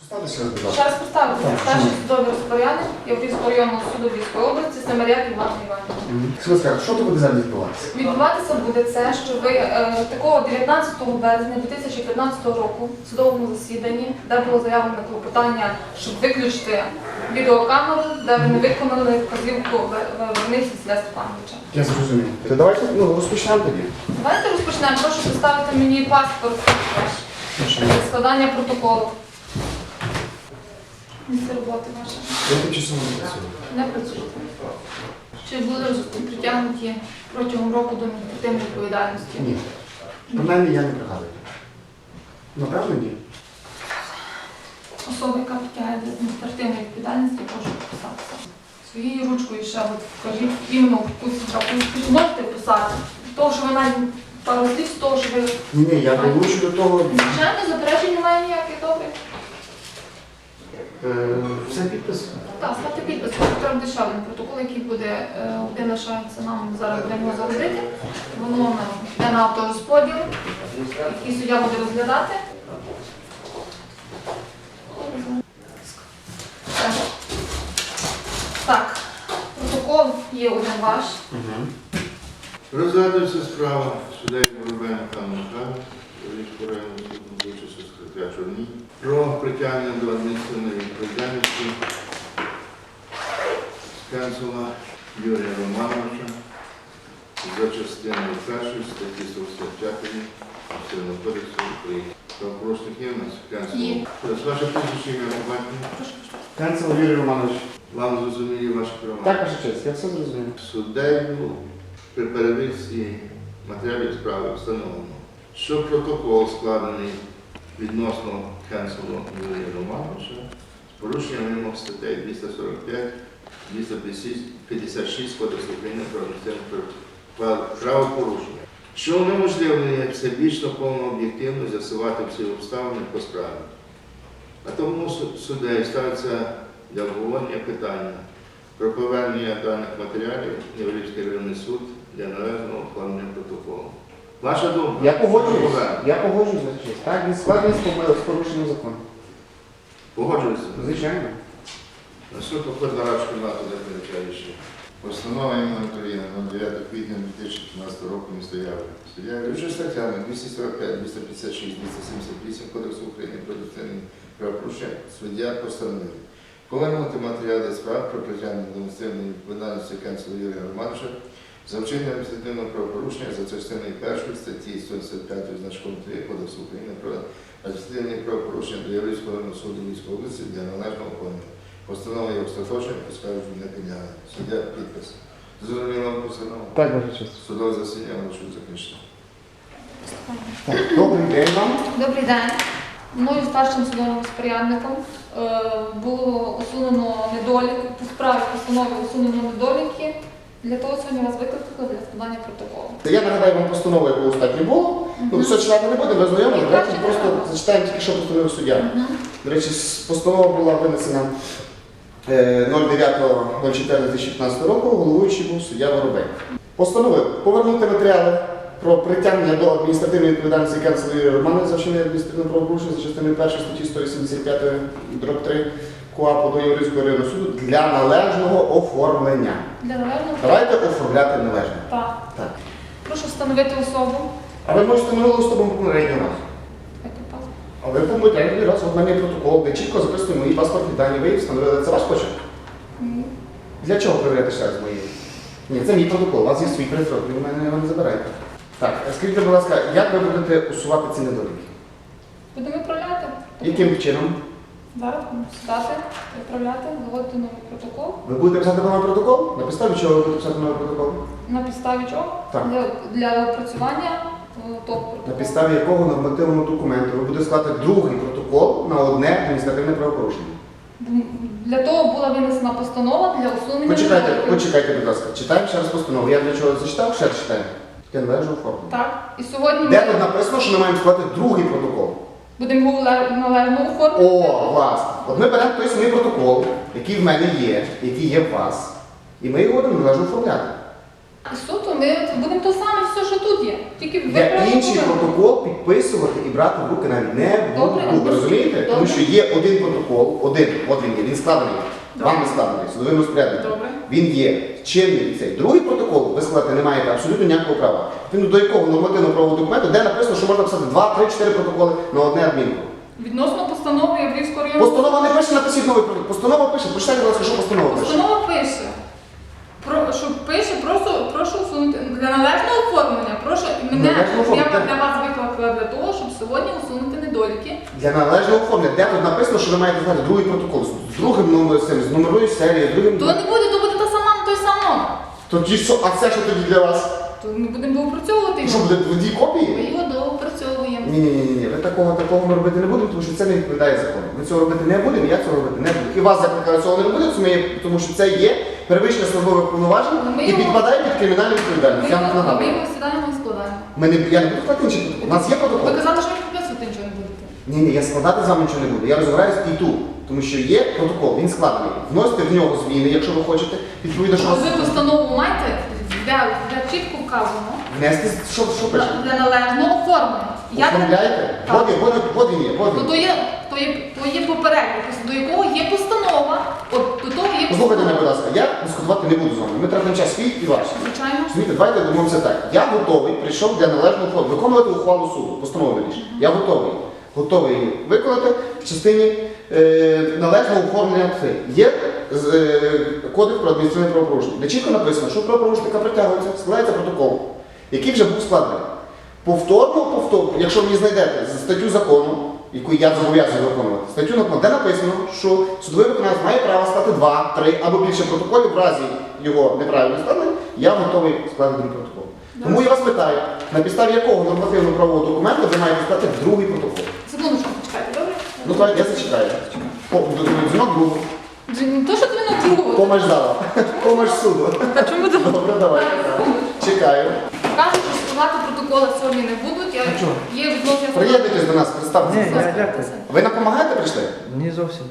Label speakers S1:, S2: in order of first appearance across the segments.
S1: Ще раз поставити. Старший судовий розпорядник Яврівського районного суду Львівської області Семеряк Іван Іванович.
S2: Що тут буде зараз відбуватися?
S1: Відбуватися буде це, що ви такого 19 березня 2015 року в судовому засіданні, де було заявлено клопотання, щоб виключити відеокамеру, де ви не виконали вказівку Верниці Василя Степановича.
S2: Я зрозумів. То давайте розпочнемо тоді.
S1: Давайте розпочнемо. Прошу поставити мені паспорт для складання протоколу. Місце роботи ваше.
S2: Я тимчасово не працюю.
S1: Не працюєте. Чи були притягнуті протягом року до адміністративної відповідальності?
S2: Ні. Принаймні я не пригадую. Напевно, ні.
S1: Особа, яка притягає до адміністративної відповідальності, прошу підписатися. Своєю ручкою ще от вкажіть іменно якусь графу. Можете вписати. Того, що ви навіть пару слів з того, що ви...
S2: Ні, я долучу до того.
S1: Звичайно, заперечень немає ніяких, добре.
S2: Все підпис?
S1: Так, ставте підпис. Треба ще один протокол, який буде, один лишається нам зараз будемо загрузити. Воно йде на авторозподіл, який суддя буде розглядати. Так, протокол є один ваш.
S3: Розглядується справа суддею Воробена Михайла Львівського районного суду Вищого секретаря Чорній про притягнення до адміністративної відповідальності Скенцова Юрія Романовича за частиною 1 статті 145 Адміністративного кодексу України. Правопорушник є в нас?
S1: Є.
S3: Ваше прізвище ім'я по батькові?
S2: Канцело Юрій Романович.
S3: Вам зрозуміли ваші права?
S2: Так, ваша честь, я все зрозумів.
S3: Суддею при перевірці матеріалів справи встановлено, що протокол складений відносно Кенцелу Юрія Романовича з порушенням вимог статей 245, 256 Кодексу України про адміністративне правопорушення, що унеможливлює всебічно повно об'єктивно з'ясувати всі обставини по справі. А тому суддею ставиться для обговорення питання про повернення даних матеріалів в Яврівський районний суд для належного оформлення протоколу. Ваша думка?
S2: Я погоджуюсь. Я погоджуюсь, ваша честь. Так, він складений з порушенням закону.
S3: Погоджуєтеся?
S2: Звичайно.
S3: На суд походить на радшу кімнату для прийняття рішення. Постанова імені Туріна 9 квітня 2015 року міста Яви. Суддя Яврівського статтями 245, 256, 278 Кодексу України про адміністративні правопорушення суддя постановив повернути матеріали справ про притягнення до адміністративної відповідальності Кенцела Юрія Романовича за вчинення адміністративного правопорушення за частиною 1 статті 175 значком 3 Кодексу України про адміністративні правопорушення до Яврівського районного суду Львівської області для належного оформлення. Постанова є остаточною, поскарження не підлягає. Суддя підпис. Зрозуміло вам постанова?
S2: Так, ваша честь.
S3: Судове засідання можу закінчити.
S2: Добрий день вам.
S1: Добрий день. Мною старшим судовим розпорядником було усунено недоліки, по справі постанови усунено недоліки. Для того сьогодні вас викликали для складання протоколу.
S2: Я нагадаю вам постанову, яку останньо було. Все читати не будемо, ви знайомі. Давайте просто зачитаємо тільки, що постановив суддя. До речі, постанова була винесена 09.04.2015 року, головуючий був суддя Воробей. Постановив повернути матеріали про притягнення до адміністративної відповідальності Кенцела Юрія Романовича за вчинення адміністративного правопорушення за частиною 1 статті 185/3 КУАПу до Яврівського районного суду для належного оформлення.
S1: Для належного
S2: Давайте оформляти належно.
S1: Так.
S2: Так.
S1: Прошу встановити особу.
S2: А ви можете минулого з тобою попереднього разу.
S1: Давайте паспорт.
S2: А ви попередній раз, от в мене є протокол, де чітко записуємо мої паспортні дані, ви їх встановили. Це ваш почерк? Для чого перевіряти ще раз мої? Ні, це мій протокол, у вас є свій присрок, ви в мене його не забираєте. Так, скажіть, будь ласка, як ви будете усувати ці недоліки?
S1: Будемо відправляти.
S2: Яким чином?
S1: Зараз будемо сідати, відправляти, заводити новий протокол.
S2: Ви будете писати новий протокол? На підставі чого ви будете писати новий протокол?
S1: На підставі чого?
S2: Так.
S1: Для опрацювання того протоколу.
S2: На підставі якого нормативного документу ви будете складати другий протокол на одне адміністративне правопорушення?
S1: Для того була винесена постанова для усунення недоліків.
S2: Почекайте, будь ласка. Читаємо ще раз постанову. Я для чого зачитав? Ще раз читаємо. Я належу оформлення.
S1: Так. І сьогодні
S2: Де тут написано, що ми маємо складати другий протокол?
S1: будемо його належно оформити.
S2: О, власне. От ми беремо той самий протокол, який в мене є, який є в вас, і ми його будемо належно оформляти.
S1: І суто ми будемо то саме все, що тут є. Тільки
S2: Я інший
S1: виправимо.
S2: протокол підписувати і брати в руки навіть не
S1: Добре.
S2: буду. Ви розумієте? Тому
S1: Добре.
S2: що є один протокол, один, от він є, він складений.
S1: Добре.
S2: Вам не складений, судовим розпорядником.
S1: Добре.
S2: Він є чинний цей. Другий протокол ви складати не маєте абсолютно ніякого права. Він до якого нормативно-правового документу, де написано, що можна писати 2, 3, 4 протоколи на одне адмінку.
S1: Відносно постанови Яврівського району.
S2: Постанова не пише, напишіть новий протокол. Постанова пише, прочитайте, будь ласка, що постанова пише.
S1: Постанова пише. Що пише, прошу усунути для належного оформлення. Прошу мене
S2: Належного оформлення.
S1: я для вас викликала для того, щоб сьогодні усунути недоліки.
S2: Для належного оформлення, де тут написано, що ви маєте знати другий протокол з другим номером, з номерою серії, з другим.
S1: То не буде, то буде та сама, той сам номер.
S2: Тоді що, а це що тоді для вас?
S1: То ми будемо доопрацьовувати
S2: Що
S1: його.
S2: буде в дві
S1: Ми
S2: копії?
S1: його доопрацьовуємо.
S2: Ні, ви такого ми робити не будемо, тому що це не відповідає закону. Ми цього робити не будемо, я цього робити не буду. І вас закликаю цього не робити, тому що це є перевищення службових повноважень
S1: Ми
S2: і
S1: його-
S2: підпадає під кримінальну відповідальність. Я вам
S1: Ми
S2: нагадую.
S1: його сідаємо і складаємо.
S2: Я не буду складати інший протокол. У нас є
S1: Ви
S2: протокол.
S1: казали, що ви підписувати нічого не будете.
S2: Ні, я складати з вами нічого не буду. Я розбираюсь і тут. Тому що є протокол, він складений. Вносите в нього зміни, якщо ви хочете. Відповідно, що
S1: А ви постанову маєте, де чітко вказано
S2: внести, що пише?
S1: для належного оформлення.
S2: Оформляєте?
S1: Так.
S2: Вот він є, вот
S1: Ну,
S2: він.
S1: то є попередник, до якого є постанова, от до того є
S2: Послухайте мене, будь
S1: постанова.
S2: ласка, я дискутувати не буду з вами. Ми тратимо час свій і ваш.
S1: Звичайно.
S2: Розумієте, давайте домовимося так. Я готовий, прийшов для належного оформлення, виконувати ухвалу суду, постанову вирішення. Я готовий. Готовий її виконати в частині належного оформлення. Є кодекс про адміністративне правопорушення, де чітко написано, що правопорушника притягується, складається протокол, який вже був складений. Повторно, якщо ви знайдете статтю закону, яку я зобов'язаний виконувати, статтю закону, де написано, що судовий виконавець має право склати 2, 3 або більше протоколів в разі його неправильного складення, я готовий складати другий протокол. Тому я вас питаю, на підставі якого нормативно-правового документу ви маєте склати другий протокол?
S1: Секундочку, почекайте, добре?
S2: Ну так, я зачекаю. Дзвінок другу.
S1: Не то, що ти на другу.
S2: Помощь зала. Помощь суду.
S1: А чому ти
S2: Добре, давай. Чекаю.
S1: кажуть, що складати протоколи сьогодні не будуть. Є відносно
S2: Приєднуйтесь до нас, представтеся.
S4: Ні, я дякую.
S2: Ви нам допомагаєте прийшли?
S4: Ні зовсім.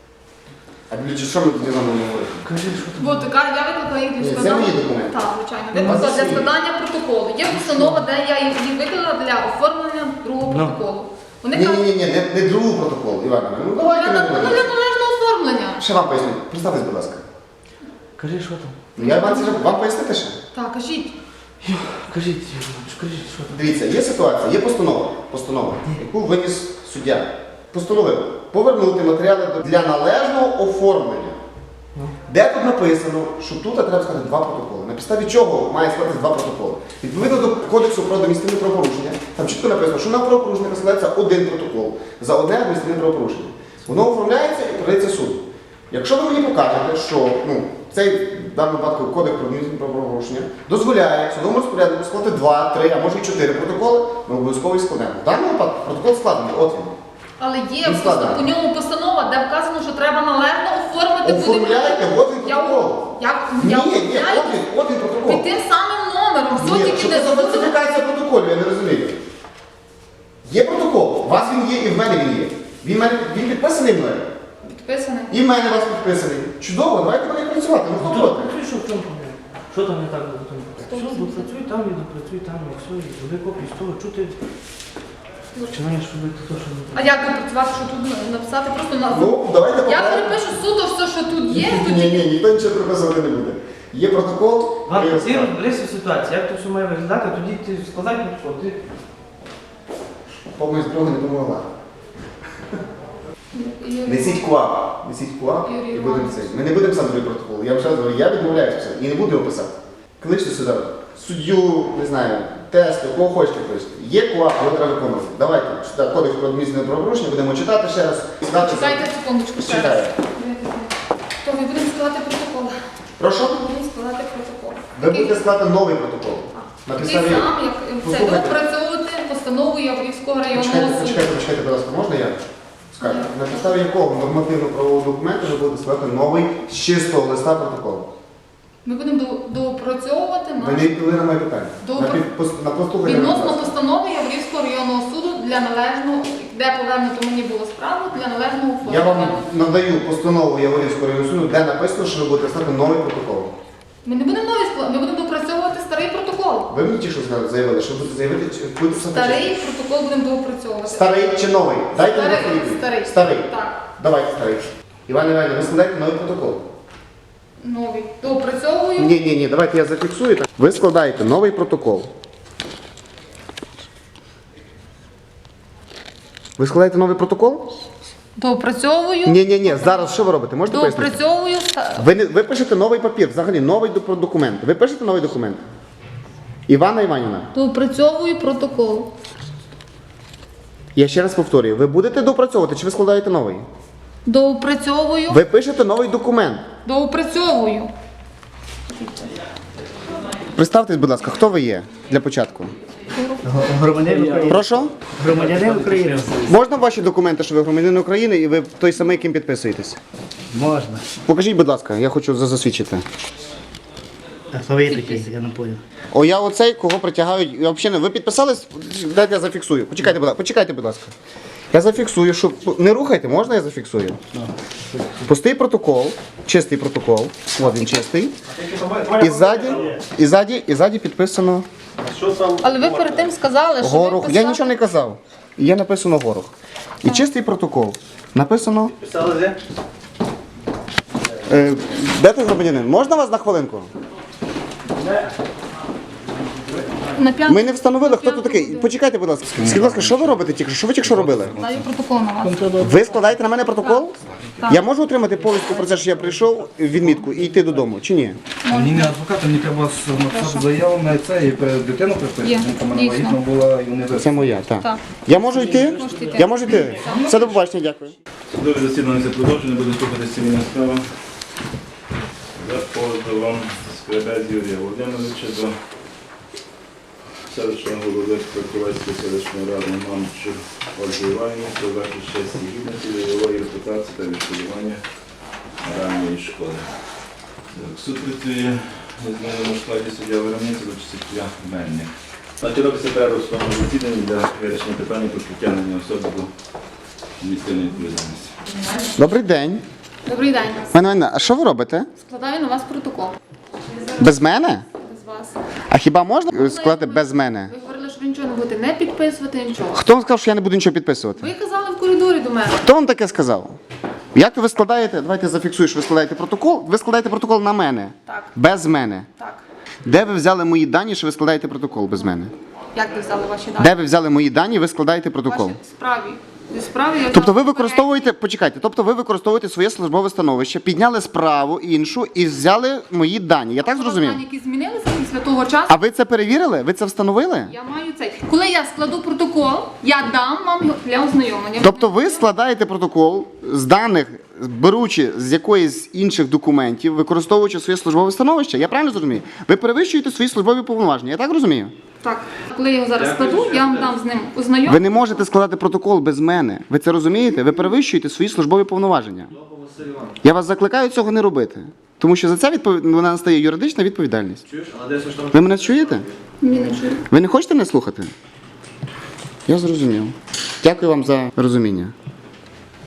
S2: А що ми тоді з вами не говоримо?
S4: Кажи, що там.
S1: Бо така я викликала їх
S2: Ні,
S1: для
S2: це
S1: складання.
S2: мої документи.
S1: Так, звичайно.
S2: Ну,
S1: Викликала
S2: це
S1: для
S2: свої.
S1: складання протоколу. Є постанова, де я їх викликала для оформлення другого
S4: Ну.
S1: протоколу. Вони
S2: Ні,
S1: кажуть,
S2: не другий протокол, Івана. Ну давайте
S1: для
S2: не будемо.
S1: належного оформлення.
S2: Ще вам поясню. Представтесь, будь ласка.
S4: Кажи, що там.
S2: Ну, я вам пояснити ще.
S1: Так, кажіть.
S4: Кажіть, кажіть, що там.
S2: Дивіться, є ситуація, є постанова, яку виніс суддя. Постановив повернути матеріали для належного оформлення.
S4: Ну.
S2: Де тут написано, що тут треба сказати 2 протоколи. На підставі чого має складатися 2 протоколи? Відповідно до Кодексу про адміністративне правопорушення, там чітко написано, що на правопорушника складається 1 протокол за одне адміністративне правопорушення. Воно оформляється і передається суду. Якщо ви мені покажете, що цей в даному випадку Кодекс про адміністративне правопорушення дозволяє судовому розпоряднику складати 2, 3, а може і 4 протоколи, ми обов'язково їх складемо. В даному випадку протокол складений, от він.
S1: Але є
S2: Він складений.
S1: по ньому постанова, де вказано, що треба належно оформити.
S2: Оформляйте, от він протокол.
S1: Я
S2: Ні,
S1: оформляю
S2: от він протокол.
S1: під тим самим номером. Все
S2: Ні,
S1: тільки
S2: що
S1: не
S2: це за
S1: забудьте.
S2: фальсифікація протоколів, я не розумію. Є протокол, у вас він є і в мене він є. Він підписаний мною.
S1: Підписаний.
S2: І в мене у вас підписаний. Чудово, давайте будемо працювати. Ну, хто проти?
S4: Працюй, що в чому проблема? Що там не так було? Все, допрацюй там і допрацюй там, і все, і зроби копію з того, що ти починаєш робити те, що не
S1: А як допрацювати, що тут написати? Просто на
S2: Ну, давайте
S1: я
S2: попробуємо.
S1: перепишу суду все, що тут є. Тут
S2: Ні, ніхто нічого приписувати не буде. Є протокол.
S4: Ладно,
S2: є
S4: ти розберися в ситуації, як то все має виглядати, тоді ти складай протокол. Ти
S2: Помощь друга не допомогла.
S1: Юрій.
S2: Несіть КУАП
S1: Юрій
S2: і будемо
S1: Іванович.
S2: це. Ми не будемо писати другий протокол. Я вам ще раз говорю, я відмовляюся все. І не буду його писати. Кличте сюди суддю, не знаю, тести, кого хочете кличте. Є КУАП, його треба виконувати. Давайте, сюди Кодекс про адміністративне правопорушення, будемо читати ще раз.
S1: Чекайте секундочку ще раз.
S2: Чекаю.
S1: То ми будемо складати протокол.
S2: Прошу?
S1: Ми будемо складати протокол.
S2: Ви будете складати новий протокол. На
S1: Такий
S2: підставі...
S1: сам, як це
S2: Послухайте.
S1: допрацьовувати постанову Яврівського районного суду.
S2: Почекайте, будь ласка, можна я скажу? На підставі якого нормативно-правового документу ви будете складати новий з чистого листа протокол?
S1: Ми будемо доопрацьовувати
S2: Ви не відповіли на моє питання.
S1: Добре.
S2: На послухання.
S1: відносно постанови Яврівського районного суду для належного, де повернуто мені було справу, для належного
S2: Я вам
S1: оформлення.
S2: надаю постанову Яворівського районного суду, де написано, що ви будете складати новий протокол.
S1: Ми не будемо нові складати, ми будемо допрацьовувати доопрацьовувати старий протокол.
S2: Ви мені ті, що заявили, що будете заявити, чи будете писати?
S1: Старий протокол будемо доопрацьовувати.
S2: Старий чи новий? Дайте мені
S1: Старий,
S2: відповідь.
S1: старий.
S2: Старий.
S1: Так,
S2: Давайте старий. Іван Іванович, ви складаєте новий протокол.
S1: новий. Доопрацьовую.
S2: Ні, давайте я зафіксую. Так. Ви складаєте новий протокол. Ви складаєте новий протокол?
S1: Доопрацьовую.
S2: Ні. Зараз що ви робите? Можете пояснити?
S1: Доопрацьовую.
S2: Ви пишете новий папір, взагалі новий документ. Ви пишете новий документ? Івана Іванівна,
S1: Доопрацьовую протокол.
S2: я ще раз повторюю, ви будете допрацьовувати чи ви складаєте новий?
S1: Доопрацьовую.
S2: Ви пишете новий документ.
S1: Доопрацьовую.
S2: Представтесь, будь ласка, хто ви є для початку?
S4: Громадянин України.
S2: Прошу?
S4: Громадянин України.
S2: Можна ваші документи, що ви громадянин України і ви той самий, ким підписуєтесь?
S4: Можна.
S2: Покажіть, будь ласка, я хочу засвідчити.
S4: А хто ви такий? Я не понял.
S2: О, я оцей, кого притягають. Я взагалі не. Ви підписались? Дайте я зафіксую. Почекайте, будь ласка. Я зафіксую, що. Не рухайте, можна я зафіксую? Пустий протокол, чистий протокол. От він чистий. І ззаді підписано
S1: Але ви перед тим сказали, що
S2: Горох.
S1: ви
S2: Я нічого не казав. Є написано Горох. І чистий протокол. Написано.
S4: Писали де?
S2: Де ти громадянин? Можна вас на хвилинку?
S1: на п'ятому.
S2: Ми не встановили, хто тут такий. Почекайте, будь ласка. Скажіть, будь ласка, що ви робите тільки? Що ви тільки що робили?
S1: Даю протокол на вас.
S2: Ви складаєте на мене протокол?
S1: Так.
S2: Я можу отримати повістку про те, що я прийшов, відмітку і йти додому, чи ні?
S5: Мені не адвокат, мені треба написати заяву на це і дитину приписати.
S1: Є,
S5: Жінка в мене
S1: дійсно.
S5: вагітна була і вони
S2: Це моя, так.
S1: Так.
S2: Я можу йти?
S1: Можете йти.
S2: Я можу йти? Все, до побачення, дякую.
S6: Судове засідання це продовження, буде слухати цивільна справа за позовом Скребець Юрія Володимировича до селищного голови Краківецької селищної ради Мамчур Ольги Іванівни про захист честі і гідності, бойової репутації та відшкодування моральної шкоди. Так, суд працює у зміненому складі суддя Веремниця до часів Мельник. Значить, робиться перерва в судовому засіданні для вирішення питання про притягнення особи до адміністративної відповідальності.
S2: Добрий день.
S1: Добрий день.
S2: Мене, а що ви робите?
S1: Складаю на вас протокол.
S2: Без мене?
S1: Без вас.
S2: А хіба можна складати без мене?
S1: Ви говорили, що ви нічого не будете не підписувати, нічого.
S2: Хто вам сказав, що я не буду нічого підписувати?
S1: Ви казали в коридорі до мене.
S2: Хто вам таке сказав? Як ви складаєте? Давайте я зафіксую, що ви складаєте протокол. Ви складаєте протокол на мене.
S1: Так.
S2: Без мене.
S1: Так.
S2: Де ви взяли мої дані, що ви складаєте протокол без мене?
S1: Як ви взяли ваші дані?
S2: Де ви взяли мої дані, ви складаєте протокол?
S1: Ваші справі. Зі справи я
S2: Тобто ви
S1: взяла
S2: використовуєте, почекайте, тобто ви використовуєте своє службове становище, підняли справу іншу і взяли мої дані. Я так зрозумів?
S1: дані, які змінилися після того часу.
S2: А ви це перевірили? Ви це встановили?
S1: Я маю цей. Коли я складу протокол, я дам вам його для ознайомлення.
S2: Тобто ви складаєте протокол з даних, беручи з якоїсь інших документів, використовуючи своє службове становище? Я правильно зрозумію? Ви перевищуєте свої службові повноваження. Я так розумію?
S1: Так. Коли я його зараз складу, я вам дам з ним ознайомлення.
S2: Ви не можете складати протокол без мене. Ви це розумієте? Ви перевищуєте свої службові повноваження. Я вас закликаю цього не робити. Тому що за це вона настає юридична відповідальність. Ви мене чуєте?
S1: Ні, не чую.
S2: Ви не хочете мене слухати? Я зрозумів. Дякую вам за розуміння.